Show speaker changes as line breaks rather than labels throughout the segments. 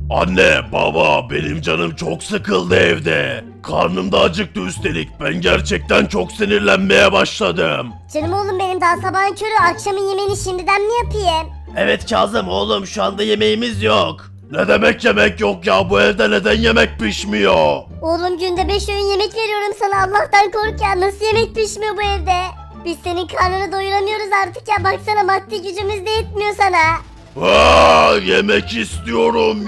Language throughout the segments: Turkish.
Anne, baba, benim canım çok sıkıldı evde. Karnım da acıktı üstelik. Ben gerçekten çok sinirlenmeye başladım.
Canım oğlum benim daha sabahın körü, akşamın yemeğini şimdiden mi yapayım?
Evet Kazım oğlum, şu anda yemeğimiz yok. Ne demek yemek yok ya, bu evde neden yemek pişmiyor?
Oğlum günde 5 öğün yemek veriyorum sana, Allah'tan kork ya, nasıl yemek pişmiyor bu evde? Biz senin karnını doyuramıyoruz artık ya, baksana maddi gücümüz de yetmiyor sana.
Yemek istiyorum,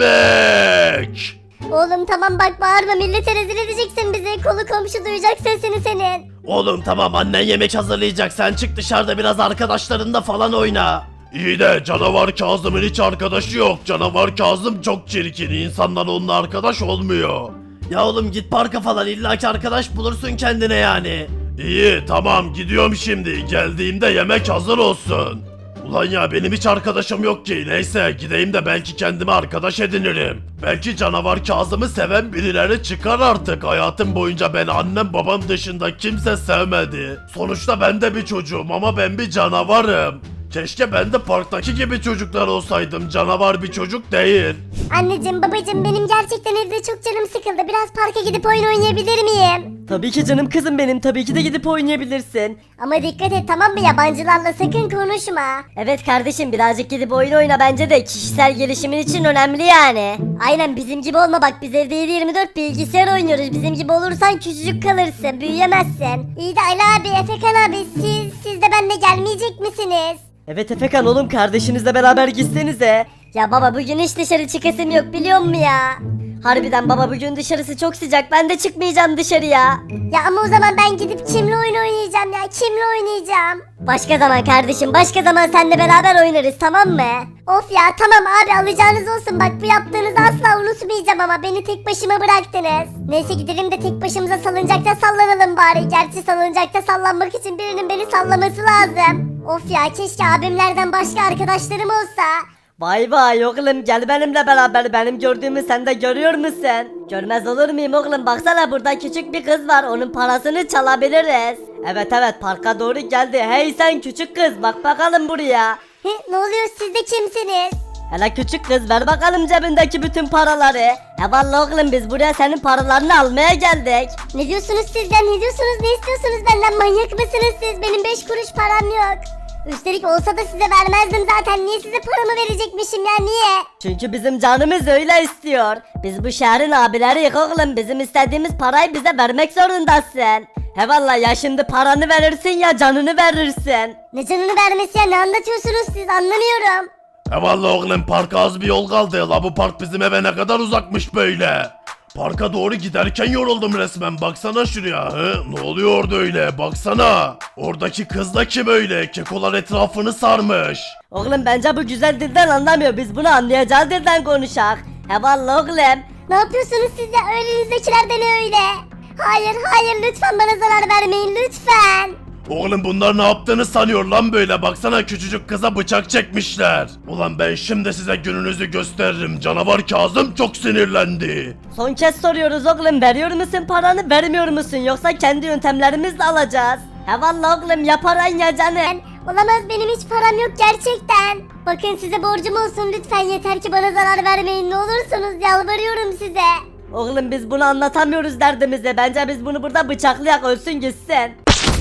yemek.
Oğlum tamam bak, bağırma, millete rezil edeceksin bizi, kolu komşu duyacak sesini senin.
Oğlum tamam, annen yemek hazırlayacak, sen çık dışarıda biraz arkadaşlarınla falan oyna. İyi de canavar Kazım'ın hiç arkadaşı yok. Canavar Kazım çok çirkin, insanlar onunla arkadaş olmuyor. Ya oğlum git parka falan, illaki arkadaş bulursun kendine yani. İyi tamam, gidiyorum şimdi, geldiğimde yemek hazır olsun. Ulan ya, benim hiç arkadaşım yok ki. Neyse gideyim de belki kendime arkadaş edinirim. Belki canavar Kazım'ı seven birileri çıkar artık. Hayatım boyunca ben annem babam dışında kimse sevmedi. Sonuçta ben de bir çocuğum ama ben bir canavarım. Keşke ben de parktaki gibi çocuklar olsaydım. Canavar bir çocuk değil.
Anneciğim babacığım, benim gerçekten evde çok canım sıkıldı, biraz parka gidip oyun oynayabilir miyim?
Tabii ki canım kızım benim, tabii ki de gidip oynayabilirsin.
Ama dikkat et tamam mı, yabancılarla sakın konuşma.
Evet kardeşim, birazcık gidip oyun oyna, bence de kişisel gelişimin için önemli yani.
Aynen, bizim gibi olma bak, biz evde 7/24 bilgisayar oynuyoruz, bizim gibi olursan küçücük kalırsın, büyüyemezsin. İyi de Ali abi, Efekan abi, siz de benimle gelmeyecek misiniz?
Evet Efekan oğlum, kardeşinizle beraber gitsenize.
Ya baba bugün hiç dışarı çıkasım yok biliyor musun ya?
Harbiden baba, bugün dışarısı çok sıcak, ben de çıkmayacağım dışarıya.
Ya ama o zaman ben gidip kimle oyun oynayacağım ya, kimle oynayacağım? Başka zaman kardeşim, başka zaman seninle beraber oynarız tamam mı? Of ya tamam abi, alacağınız olsun, bak bu yaptığınızı asla unutmayacağım ama beni tek başıma bıraktınız. Neyse gidelim de tek başımıza salıncakta sallanalım bari, gerçi salıncakta sallanmak için birinin beni sallaması lazım. Of ya, keşke abimlerden başka arkadaşlarım olsa.
Vay vay oğlum, gel benimle beraber, benim gördüğümü sen de görüyor musun? Görmez olur muyum oğlum, baksana burada küçük bir kız var, onun parasını çalabiliriz. Evet parka doğru geldi. Hey sen küçük kız, bak bakalım buraya.
Ne oluyor, siz de kimsiniz?
Hele küçük kız, ver bakalım cebindeki bütün paraları. Vallahi oğlum, biz buraya senin paralarını almaya geldik.
Ne diyorsunuz siz ya, ne diyorsunuz, ne istiyorsunuz benden, manyak mısınız siz? Benim 5 kuruş param yok. Üstelik olsa da size vermezdim zaten, niye size paramı verecekmişim ya, niye?
Çünkü bizim canımız öyle istiyor. Biz bu şehrin abileriyiz oğlum, bizim istediğimiz parayı bize vermek zorundasın. He valla, ya şimdi paranı verirsin ya canını verirsin.
Ne canını vermesi ya, ne anlatıyorsunuz siz, anlamıyorum.
Vallahi oğlum, parka az bir yol kaldı. La bu park bizim eve ne kadar uzakmış böyle. Parka doğru giderken yoruldum resmen. Baksana şuraya. Ne oluyor orada öyle? Baksana. Oradaki kız da kim öyle? Kekolar etrafını sarmış.
Oğlum bence bu güzel dilden anlamıyor, biz bunu anlayacağı dilden konuşak. He valla oğlum.
Ne yapıyorsunuz siz ya, önünüzdekiler de ne öyle? Hayır hayır, lütfen bana zarar vermeyin lütfen.
Oğlum bunlar ne yaptığını sanıyor lan böyle, baksana küçücük kıza bıçak çekmişler. Ulan ben şimdi size gününüzü gösteririm, canavar Kazım çok sinirlendi.
Son kez soruyoruz oğlum, veriyor musun paranı, vermiyor musun, yoksa kendi yöntemlerimizle alacağız. He valla oğlum, ya paran ya canın.
Olamaz, benim hiç param yok gerçekten. Bakın size borcum olsun, lütfen yeter ki bana zarar vermeyin, ne olursunuz, yalvarıyorum size.
Oğlum biz bunu anlatamıyoruz derdimizi, bence biz bunu burada bıçaklayak, ölsün gitsin.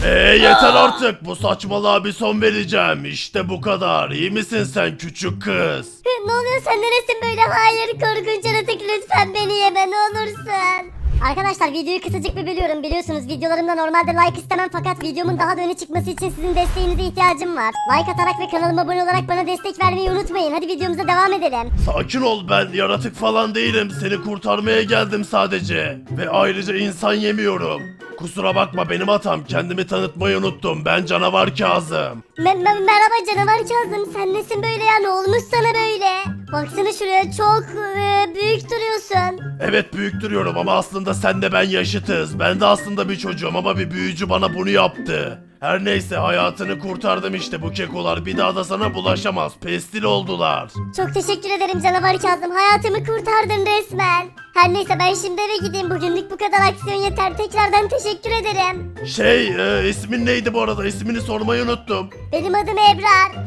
Yeter artık, bu saçmalığa bir son vereceğim. İşte bu kadar. İyi misin sen küçük kız?
Ne oluyor, sen neresin böyle? Hayır, korkunç yaratık, lütfen beni yeme ne olursun. Arkadaşlar videoyu kısacık bir bölüyorum, biliyorsunuz videolarımda normalde like istemem fakat videomun daha da öne çıkması için sizin desteğinize ihtiyacım var. Like atarak ve kanalıma abone olarak bana destek vermeyi unutmayın, hadi videomuza devam edelim.
Sakin ol, ben yaratık falan değilim. Seni kurtarmaya geldim sadece. Ve ayrıca insan yemiyorum. Kusura bakma, benim hatam. Kendimi tanıtmayı unuttum. Ben canavar Kazım.
Merhaba canavar Kazım, sen nesin böyle ya, ne olmuş sana böyle? Baksana şuraya, çok büyük duruyorsun.
Evet büyük duruyorum ama aslında sen de ben yaşıtız. Ben de aslında bir çocuğum ama bir büyücü bana bunu yaptı. Her neyse, hayatını kurtardım işte, bu kekolar bir daha da sana bulaşamaz. Pestil oldular.
Çok teşekkür ederim canavar Kazım, hayatımı kurtardın resmen. Her neyse ben şimdi eve gideyim, bugünlük bu kadar aksiyon yeter, tekrardan teşekkür ederim.
İsmin neydi bu arada? İsmini sormayı unuttum.
Benim adım Ebrar.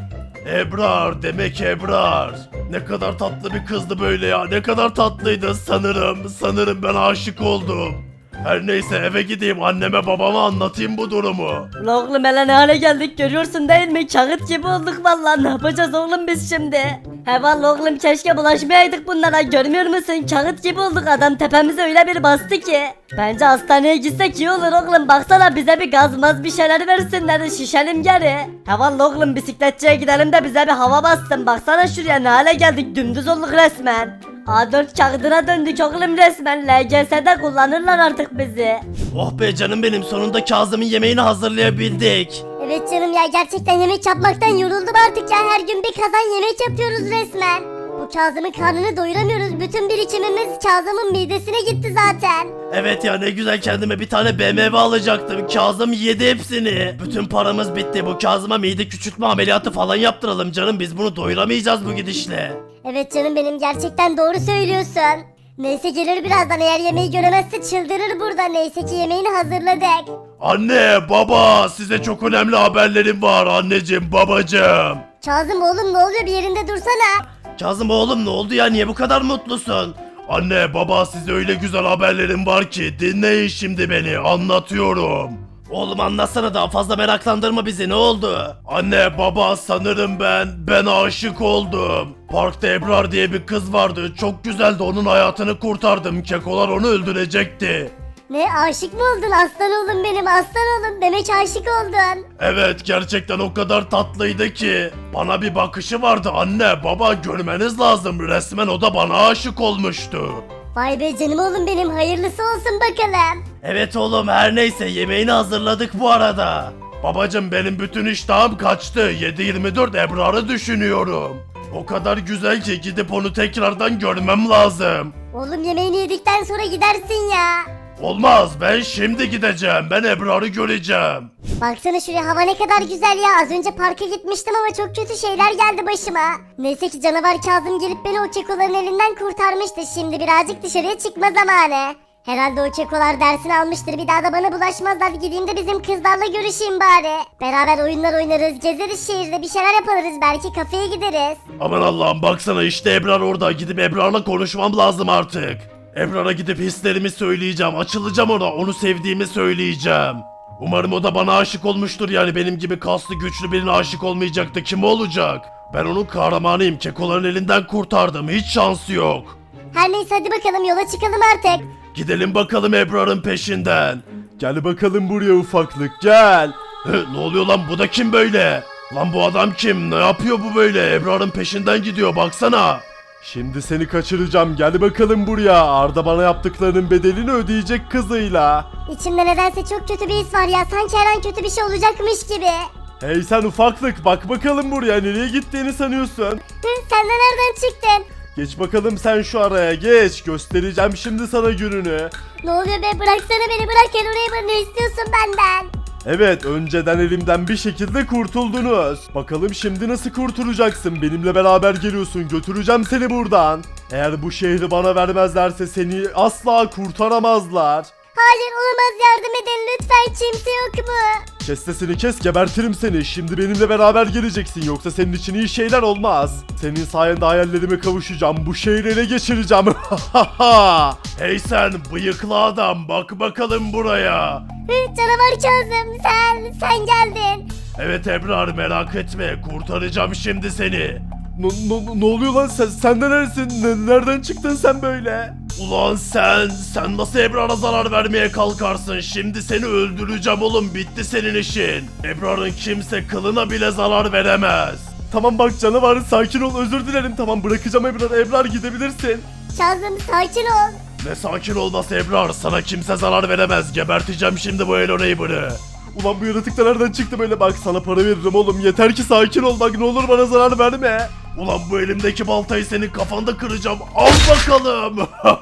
Ebrar, demek Ebrar. Ne kadar tatlı bir kızdı böyle ya. Ne kadar tatlıydı sanırım ben aşık oldum. Her neyse eve gideyim anneme babama anlatayım bu durumu.
Ulan oğlum hele ne hale geldik görüyorsun değil mi? Kağıt gibi olduk vallahi, ne yapacağız oğlum biz şimdi? He vallahi oğlum keşke bulaşmayaydık bunlara, görmüyor musun? Kağıt gibi olduk, adam tepemize öyle bir bastı ki. Bence hastaneye gitsek iyi olur oğlum, baksana bize bir gazmaz bir şeyler versinler, şişelim geri. He vallahi oğlum bisikletçiye gidelim de bize bir hava bassın, baksana şuraya ne hale geldik, dümdüz olduk resmen. A4 kağıdına döndük oğlum resmen, LGS'de kullanırlar artık bizi.
Oh be canım benim, sonunda Kazım'ın yemeğini hazırlayabildik.
Evet canım ya, gerçekten yemek yapmaktan yoruldum artık ya, her gün bir kazan yemek yapıyoruz resmen. Bu Kazım'ın karnını doyuramıyoruz, bütün birikimimiz Kazım'ın midesine gitti zaten.
Evet ya, ne güzel kendime bir tane BMW alacaktım. Kazım yedi hepsini. Bütün paramız bitti. Bu Kazım'a mide küçültme ameliyatı falan yaptıralım canım. Biz bunu doyuramayacağız bu gidişle.
Evet canım benim, gerçekten doğru söylüyorsun. Neyse gelir birazdan, eğer yemeği göremezse çıldırır burada. Neyse ki yemeğini hazırladık.
Anne, baba, size çok önemli haberlerim var. Anneciğim, babacığım.
Kazım oğlum ne oluyor, bir yerinde dursana.
Kazım oğlum, ne oldu ya, niye bu kadar mutlusun? Anne, baba, size öyle güzel haberlerim var ki dinleyin şimdi beni, anlatıyorum. Oğlum anlatsana, daha fazla meraklandırma bizi, ne oldu? Anne, baba, sanırım ben aşık oldum. Parkta Ebrar diye bir kız vardı, çok güzeldi, onun hayatını kurtardım. Kekolar onu öldürecekti.
Ne, aşık mı oldun aslan oğlum benim, aslan oğlum, demek aşık oldun.
Evet, gerçekten o kadar tatlıydı ki. Bana bir bakışı vardı anne, baba, görmeniz lazım, resmen o da bana aşık olmuştu.
Vay be canım oğlum benim, hayırlısı olsun bakalım.
Evet oğlum, her neyse yemeğini hazırladık bu arada. Babacım, benim bütün iştahım kaçtı. 7/24 Ebrar'ı düşünüyorum. O kadar güzel ki gidip onu tekrardan görmem lazım.
Oğlum yemeğini yedikten sonra gidersin ya.
Olmaz, ben şimdi gideceğim. Ben Ebrar'ı göreceğim.
Baksana şuraya, hava ne kadar güzel ya. Az önce parka gitmiştim ama çok kötü şeyler geldi başıma. Neyse ki canavar Kazım gelip beni o kekoların elinden kurtarmıştı. Şimdi birazcık dışarıya çıkma zamanı. Herhalde o kekolar dersini almıştır. Bir daha da bana bulaşmazlar. Gideyim de bizim kızlarla görüşeyim bari. Beraber oyunlar oynarız, gezeriz şehirde, bir şeyler yaparız. Belki kafeye gideriz.
Aman Allah'ım, baksana işte Ebrar orada. Gidip Ebrar'la konuşmam lazım artık. Ebrar'a gidip hislerimi söyleyeceğim. Açılacağım ona. Onu sevdiğimi söyleyeceğim. Umarım o da bana aşık olmuştur, yani benim gibi kaslı güçlü birine aşık olmayacaktı. Kim olacak? Ben onun kahramanıyım. Kekoların elinden kurtardım. Hiç şansı yok.
Her neyse hadi bakalım, yola çıkalım artık.
Gidelim bakalım Ebrar'ın peşinden. Gel bakalım buraya ufaklık, gel. Ne oluyor lan, bu da kim böyle? Lan bu adam kim? Ne yapıyor bu böyle? Ebrar'ın peşinden gidiyor, baksana.
Şimdi seni kaçıracağım, gel bakalım buraya. Arda bana yaptıklarının bedelini ödeyecek kızıyla.
İçimde nedense çok kötü bir his var ya. Sanki her an kötü bir şey olacakmış gibi.
Hey sen ufaklık, bak bakalım buraya, nereye gittiğini sanıyorsun?
Sen de nereden çıktın?
Geç bakalım sen şu araya, geç, göstereceğim şimdi sana gününü.
Ne oluyor be, bıraksana beni, bırak. Gel oraya, ne istiyorsun benden?
Evet, önceden elimden bir şekilde kurtuldunuz. Bakalım şimdi nasıl kurtulacaksın? Benimle beraber geliyorsun, götüreceğim seni buradan. Eğer bu şehri bana vermezlerse seni asla kurtaramazlar.
Hayır olamaz, yardım edin lütfen, kimse yok mu?
Kes sesini kes, gebertirim seni. Şimdi benimle beraber geleceksin, yoksa senin için iyi şeyler olmaz. Senin sayende hayallerime kavuşacağım, bu şehri ele geçireceğim.
Hey sen bıyıklı adam, bak bakalım buraya.
Canavar Kazım, sen geldin.
Evet Ebrar, merak etme, kurtaracağım şimdi seni.
Ne oluyor lan, sen de neresin? Nereden çıktın sen böyle?
Ulan sen nasıl Ebrar'a zarar vermeye kalkarsın? Şimdi seni öldüreceğim oğlum, bitti senin işin. Ebrar'ın kimse kılına bile zarar veremez.
Tamam bak canavar, sakin ol, özür dilerim, tamam bırakacağım Ebrar gidebilirsin.
Kazım sakin ol.
Ne sakin olması Ebrar, sana kimse zarar veremez. Geberteceğim şimdi bu Hello Neighbor'ı.
Ulan bu yaratık da nereden çıktı böyle, bak sana para veririm oğlum, yeter ki sakin ol, bak ne olur bana zarar verme.
Ulan bu elimdeki baltayı senin kafanda kıracağım, al bakalım.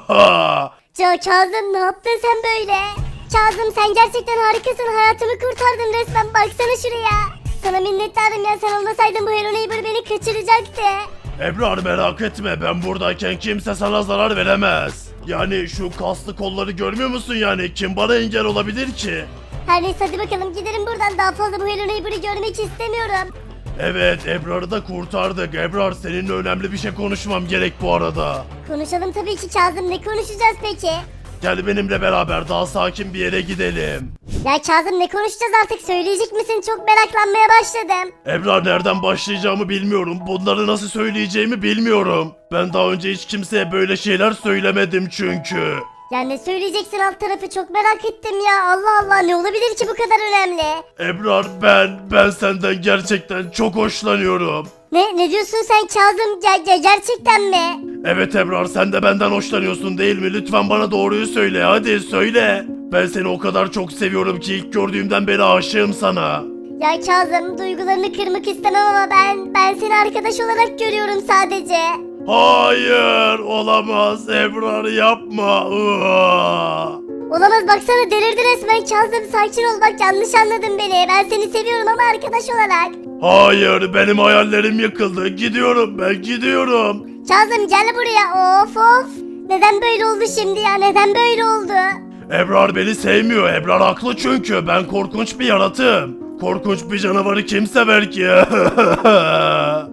Kazım ne yaptın sen böyle? Kazım sen gerçekten harikasın, hayatımı kurtardın resmen, baksana şuraya. Sana minnettarım ya, sen olmasaydın bu Hello Neighbor beni kaçıracaktı.
Ebrar merak etme, ben buradayken kimse sana zarar veremez. Yani şu kaslı kolları görmüyor musun yani, kim bana engel olabilir ki?
Her neyse hadi bakalım gidelim buradan, daha fazla bu Hello Neighbor'ı görmek istemiyorum.
Evet, Ebrar'ı da kurtardık. Ebrar, seninle önemli bir şey konuşmam gerek bu arada.
Konuşalım tabii ki Kazım, ne konuşacağız peki?
Gel benimle beraber daha sakin bir yere gidelim.
Ya Kazım ne konuşacağız artık, söyleyecek misin? Çok meraklanmaya başladım.
Ebrar, nereden başlayacağımı bilmiyorum. Bunları nasıl söyleyeceğimi bilmiyorum. Ben daha önce hiç kimseye böyle şeyler söylemedim çünkü.
Ya ne söyleyeceksin alt tarafı, çok merak ettim ya. Allah Allah, ne olabilir ki bu kadar önemli?
Ebrar, ben senden gerçekten çok hoşlanıyorum.
Ne diyorsun sen Kazım? Gerçekten mi?
Evet Ebrar, sen de benden hoşlanıyorsun değil mi? Lütfen bana doğruyu söyle, hadi söyle. Ben seni o kadar çok seviyorum ki ilk gördüğümden beri aşığım sana.
Ya Kazım, duygularını kırmak istemem ama ben seni arkadaş olarak görüyorum sadece.
Hayır, olamaz Ebrar, yapma.
Olamaz, baksana delirdi resmen. Kazım sakin ol, bak yanlış anladın beni. Ben seni seviyorum ama arkadaş olarak.
Hayır, benim hayallerim yıkıldı. Gidiyorum, ben gidiyorum.
Kazım gel buraya, of. Neden böyle oldu şimdi ya, neden böyle oldu?
Ebrar beni sevmiyor. Ebrar haklı çünkü ben korkunç bir yaratığım. Korkunç bir canavarı kim sever ki?